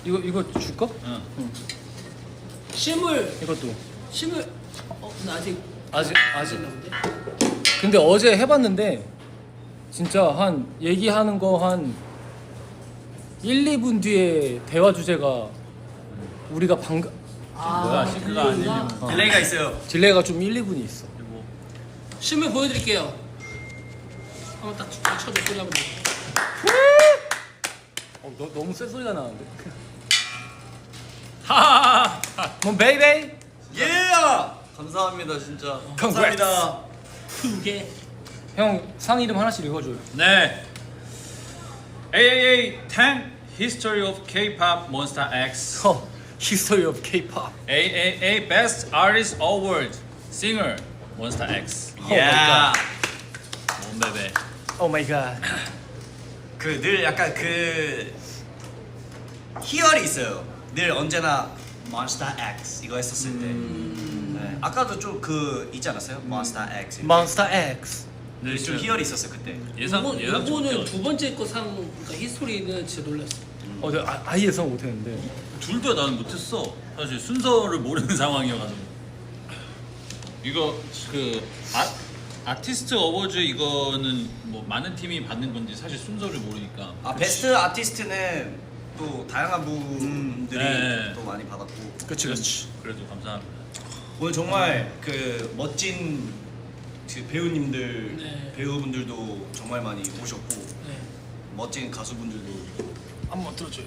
이거 줄까? 응. 실물 이것도 실물 나 아직 아직. 근데 어제 해봤는데 진짜 한 얘기하는 거 한 1, 2분 뒤에 대화 주제가 우리가 방금 뭐야, 싱크가 안 들리면. 딜레이가 있어요. 딜레이가 좀 1, 2분이 있어. 그리고 실물 보여드릴게요. 한번 딱 쳐줘 소리 한번. 너무 쎄 소리가 나는데. 하하하. 뭐 베이베이. 예! 감사합니다 진짜. 감사합니다. 두 개. 형 상 이름 하나씩 읽어줘요. 네. AAA 10 History of K-pop Monster X. History of K-pop. AAA Best Artist Award Singer Monster X. 야. 몬베베. Oh my god. 그 늘 약간 그 희열이 있어요. 늘 언제나 Monster X 이거 했었을 때. 네. 아까도 좀 그 있지 않았어요? Monster X. Monster X. 네, 좀 희열이 있었어요 그때. 요거는 두 번째 거 상 그러니까 히스토리는 진짜 놀랐어. 내가 아예 예상 못했는데. 둘 다 나는 못했어. 사실 순서를 모르는 상황이어가지고. 이거 그 아티스트 어워즈 이거는 뭐 많은 팀이 받는 건지 사실 순서를 모르니까. 아 베스트 아티스트는 또 다양한 분들이 네. 또 많이 받았고. 그렇지. 그래도 감사합니다. 오늘 정말 그 멋진 그 배우님들 네. 배우분들도 정말 많이 오셨고 네. 멋진 가수분들도 한번 들어줘요.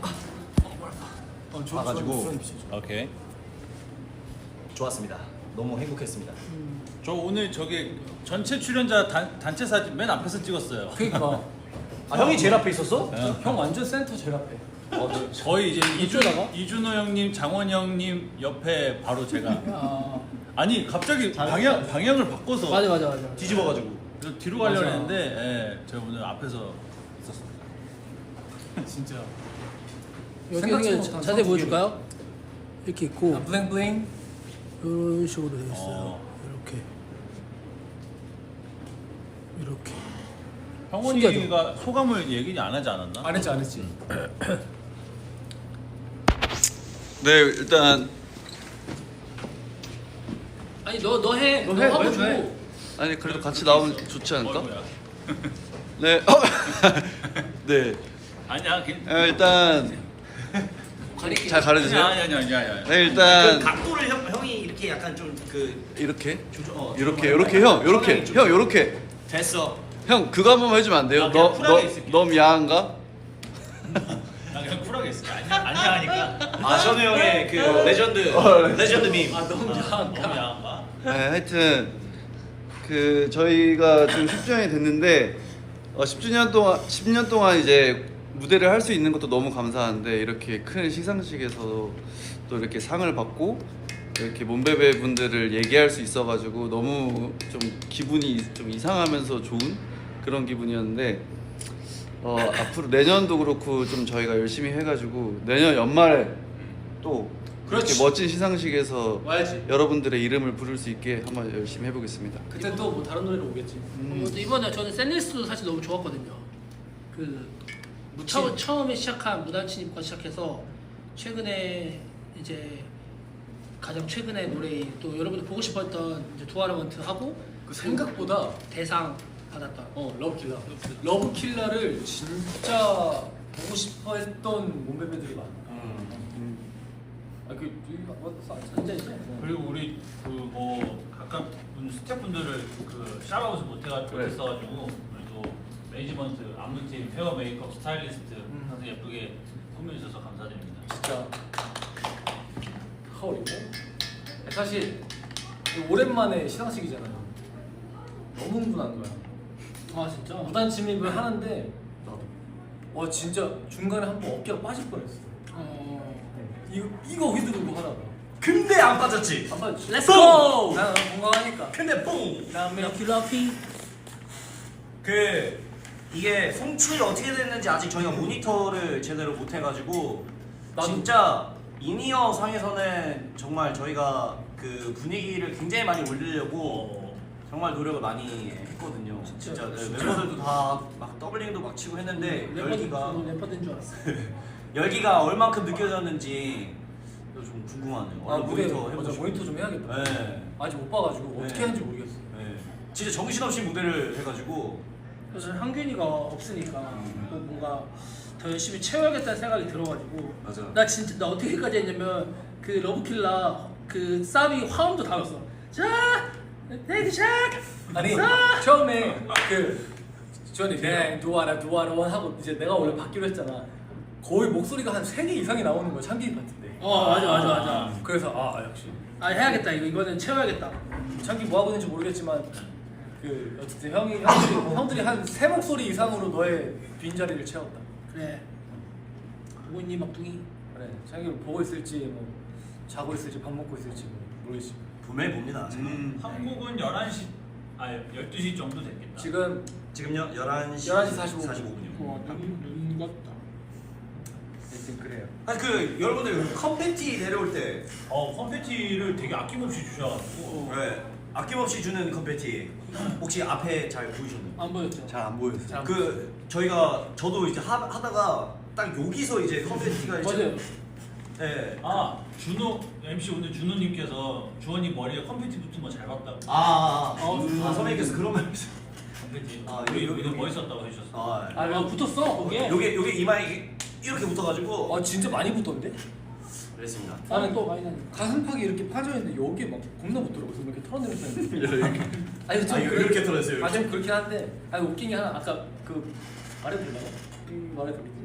와가지고 오케이. 좋았습니다. 너무 행복했습니다. 저 오늘 저기 전체 출연자 단체 사진 맨 앞에서 찍었어요. 그러니까 아 형이 제일 앞에 있었어? 형 완전 센터 제일 앞에. 저희 이제 이쪽에다가? 이준호 형님, 장원 형님 옆에 바로 제가. 아, 아니 갑자기 방향을 바꿔서 맞아. 뒤집어가지고. 저 뒤로 가려고 맞아. 했는데 예, 제가 오늘 앞에서 있었습니다. 진짜. 여기 생각지도 여기 못한 자세히 상 보여줄까요? 이렇게 있고 블링블링. 이런 식으로 되어 있어요. 어. 이렇게. 형원이가 소감을 얘기 안 하지 않았나? 안 했지. 네 일단 아니 너 해. 너 너 해, 하고 너 줘. 해. 아니 그래도 같이 나오면 좋지 않을까? 어이구야. 네. 네. 아니야. 일단 가릴게. 잘 가려주세요. 아니야. 네 일단 각도를 형이 이렇게 약간 좀 그 이렇게 조정 이렇게 형 이렇게 형 이렇게 됐어. 형 그거 한 번만 해주면 안 돼요? 나 그냥 쿨하게 있을게. 너 야한가? 나 그냥 쿨하게 있을게. 아니야 하니까. 아 전우 형의 그 레전드 레전드 밈. 너무 야한가? 네, 하여튼 그 저희가 지금 10주년이 됐는데 10년 동안 이제 무대를 할 수 있는 것도 너무 감사한데 이렇게 큰 시상식에서 또 이렇게 상을 받고 이렇게 몬베베 분들을 얘기할 수 있어가지고 너무 좀 기분이 좀 이상하면서 좋은 그런 기분이었는데 앞으로 내년도 그렇고 좀 저희가 열심히 해가지고 내년 연말에 또 이렇게 그렇지. 멋진 시상식에서 와야지. 여러분들의 이름을 부를 수 있게 한번 열심히 해보겠습니다. 그때 또 뭐 다른 노래로 오겠지. 이번에 저는 샌리스도 사실 너무 좋았거든요. 그 처음에 시작한 무단침입과 시작해서 최근에 이제 가장 최근에 노래 또 여러분들 보고 싶었던 이제 두아르먼트 하고 그 생각보다 대상 받았던 러브킬라. 러브킬라를 진짜 보고 싶어했던 몸베베들이 많아. 앉아 있어. 그리고 우리 그 뭐 각각 스태프분들을 그 샤워하우스 못했어가지고 그래도 매니지먼트, 안무팀, 헤어 메이크업, 스타일리스트 항상 예쁘게 꾸며주셔서 감사드립니다. 진짜 허리고 사실 오랜만에 시상식이잖아요. 너무 흥분한 거야. 아 진짜? 무단 침입을 하는데 와 진짜 중간에 한 번 어깨가 빠질 뻔했어. 이거 휘두르고 하다가 근데 안 빠졌지. 한 번. Let's go! 난 건강하니까. 근데 뽕. 그다음에 킬러피 그 이게 송출이 어떻게 됐는지 아직 저희가 모니터를 제대로 못 해가지고 진짜 이니어 상에서는 정말 저희가 그 분위기를 굉장히 많이 올리려고 정말 노력을 많이 했거든요. 진짜 네, 멤버들도 다 막 더블링도 막 치고 했는데 열기가 래퍼된 줄 알았어. 열기가 얼만큼 느껴졌는지 좀 궁금하네요. 아 얼른 무대 모니터 맞아 해보시고. 모니터 좀 해야겠다. 네. 아직 못 봐가지고 어떻게 네. 하는지 모르겠어. 네. 진짜 정신없이 무대를 해가지고 그래서 한균이가 없으니까 또 뭔가 더 열심히 채워야겠다는 생각이 들어가지고 맞아. 나 진짜 나 어떻게까지 했냐면 그 러브킬라 그 사비 화음도 다 넣었어. 자, 테이크 샷. 아니 자. 처음에 그 주원이 네 두아라 하고 이제 내가 원래 받기로 했잖아. 거의 목소리가 한 3개 이상이 나오는 거야 창기 파트인데. 맞아. 그래서 아 역시 아 해야겠다 이거는 채워야겠다. 창기 뭐 하고 있는지 모르겠지만 그 어쨌든 형들이 한 3목소리 이상으로 너의 빈자리를 채웠다. 그래. 보고 있니 막둥이? 그래 창기 보고 있을지 뭐 자고 있을지 밥 먹고 있을지 뭐 모르겠지. 분명히 봅니다. 한국은 11시 12시 정도 됐겠다. 지금요 11시 45분. 45분이요. 눈 같다. 하여튼 그래요. 아니 그 여러분들 컴패티 내려올 때 컴패티를 되게 아낌없이 주셔가지고 네. 아낌없이 주는 컴패티 혹시 앞에 잘 보이셨나요? 안 보였죠? 잘 안 보였어요. 그 저도 이제 하다가 딱 여기서 이제 컴패티가 이제 맞아요. 네. 준호 MC 오늘 준호님께서 주원이 머리에 컴패티 붙은 거 잘 봤다고. 선배님께서 그런 말 컴패티. 아, 우리 여기. 멋있었다고 해주셨어. 아 붙었어 거기에. 요게 이마에 이렇게 붙어가지고 아 진짜 많이 붙던데? 그랬습니다. 나는 또 많이 나니. 가슴팍이 이렇게 파져 있는데 여기 막 겁나 붙더라고. 그래서 이렇게 털어내면서 아니 좀 이렇게 털었어요. 아 좀 그렇긴 한데 아니 웃긴 게 하나 아까 그 말해드리려고 말해드리지.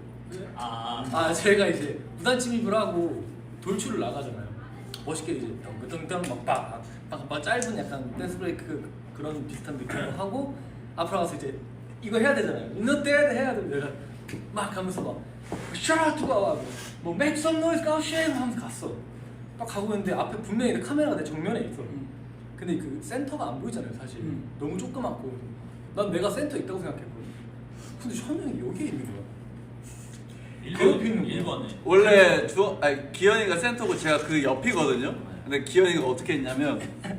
제가 이제 무단 침입을 하고 돌출을 나가잖아요. 멋있게 이제 덩덩덩 막 짧은 약간 댄스 브레이크 그런 비슷한 느낌으로 하고 앞으로 가서 이제 이거 해야 되잖아요. 이너 때 해야 돼. 내가 막 가면서 막 Shout out to God 뭐 Make some noise, go shame 하면서 갔어. 딱 가고 있는데 앞에 분명히 카메라가 내 정면에 있어. 근데 그 센터가 안 보이잖아요 사실. 너무 조그맣고 난 내가 센터 있다고 생각했거든. 근데 현영이 여기에 있는 거야. 1번에. 원래 기현이가 센터고 제가 그 옆이거든요. 근데 기현이가 어떻게 했냐면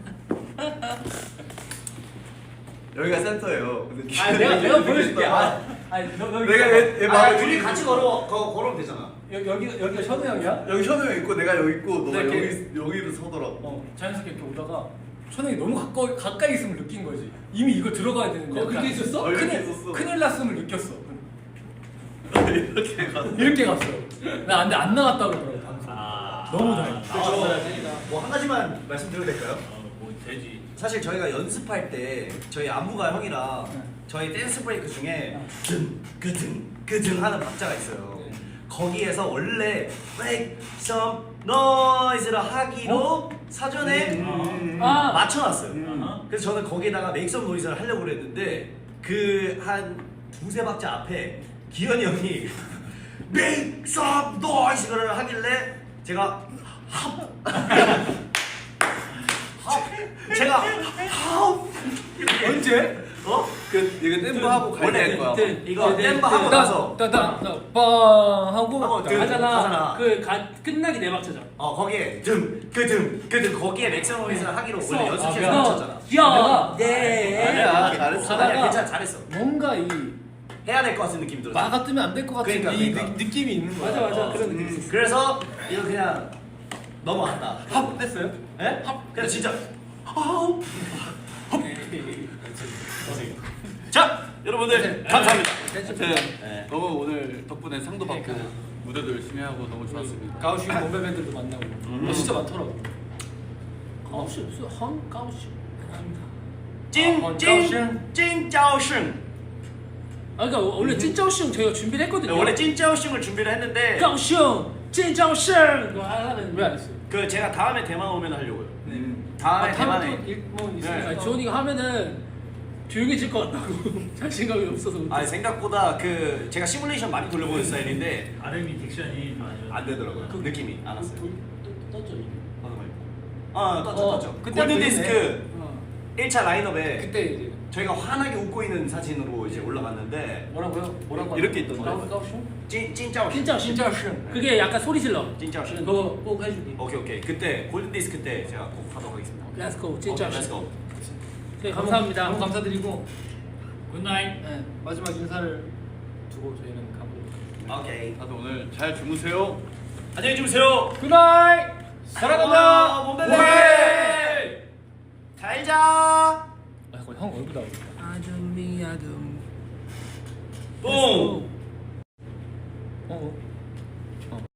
여기가 센터예요. 근데 내가 보여줄게. 내가 둘이 같이 걸으면 되잖아. 여기가 현우 형이야? 여기 현우 형 있고 내가 여기 있고 너가 이렇게- 여기로 서더라고. 자연스럽게 이렇게 오다가 현영이 너무 가까이 있음을 느낀 거지. 이미 이거 들어가야 되는데. 그렇게 있었어? 이렇게 있었어. 큰일 났음을 느꼈어. 이렇게 갔어. 이렇게 갔어. 나 근데 안 나갔다 그러더라고 방송. 너무 다행이다. 뭐한 가지만 말씀드려도 될까요? 뭐 되지. 사실 저희가 연습할 때 저희 안무가 형이랑 저희 댄스 브레이크 중에 그등 하는 박자가 있어요. 거기에서 원래 make some noise를 하기로 사전에 맞춰놨어요. 그래서 저는 거기에다가 make some noise를 하려고 그랬는데 그 한 두세 박자 앞에 기현이 형이 make some noise를 하길래 제가 제가 언제? 이거 댐프 하고 가야 될 거야. 이거 댐버 하고 나서 빵 하고 하고 하잖아. 끝나기 네 박자죠. 거기에 그 거기에 맥스노이즈를 하기로 원래 연습실에서 미안. 맞췄잖아. 야, 아니야, 잘했어. 아니야 괜찮아 잘했어. 뭔가 이 해야 될 것 같은 느낌이 들었어. 마가 뜨면 안 될 것 같은 그러니까. 느낌이 있는 거야. 맞아 그런 느낌 있어. 그래서 이거 그냥 넘어갔다. 합 됐어요? 예? 그냥 진짜 자 여러분들 감사합니다. 네. 너무 오늘 덕분에 상도 받고 무대도 열심히 하고 너무 좋았습니다. 가우슈 몸베밴들도 만나고 진짜 많더라고. 가오시 없어. 헝 가오시. 찐짜오슝. 그러니까 원래 찐짜오슝 저희가 준비를 했거든요. 원래 찐짜오슝을 준비를 했는데 가오슝, 찐짜오슝 이거 하려면 왜 안 했어요? 그 제가 다음에 대만 오면 하려고요. 다음에 대만에. 뭐 있으니까. 아니, 지원이가 하면은 조용해질 것 같다고 자신감이 없어서. 아 생각보다 그 제가 시뮬레이션 많이 돌려보는 스타일인데 R&B 딕션이 안 되더라고요. 그 느낌이 안 왔어요. 떴죠. 떴죠. 그때 골든 보이네. 디스크 1차 라인업에 그때 이제 저희가 환하게 웃고 있는 사진으로 이제 올라갔는데 뭐라고 이렇게 있던데. 가우슈? 찐짜오슝. 찐짜오슝. 그게 약간 소리 질러. 찐짜오슝. 그거 꼭 해주기. 오케이 그때 골든 디스크 때 제가 꼭 하도록 하겠습니다. 렛츠고 오케이, 찐짜오슝. 렛츠고. 네, 감사합니다. 너무 감사드리고 굿나잇. 마지막 인사를 두고 저희는 가보도록 오케이. 다들 오늘 잘 주무세요. 안녕히 주무세요. 굿나잇. 사랑한다. 몸베베. 잘 자. 아, 잠깐 형 얼굴 나오겠다. 아둠이 아둠. 뿡. 어.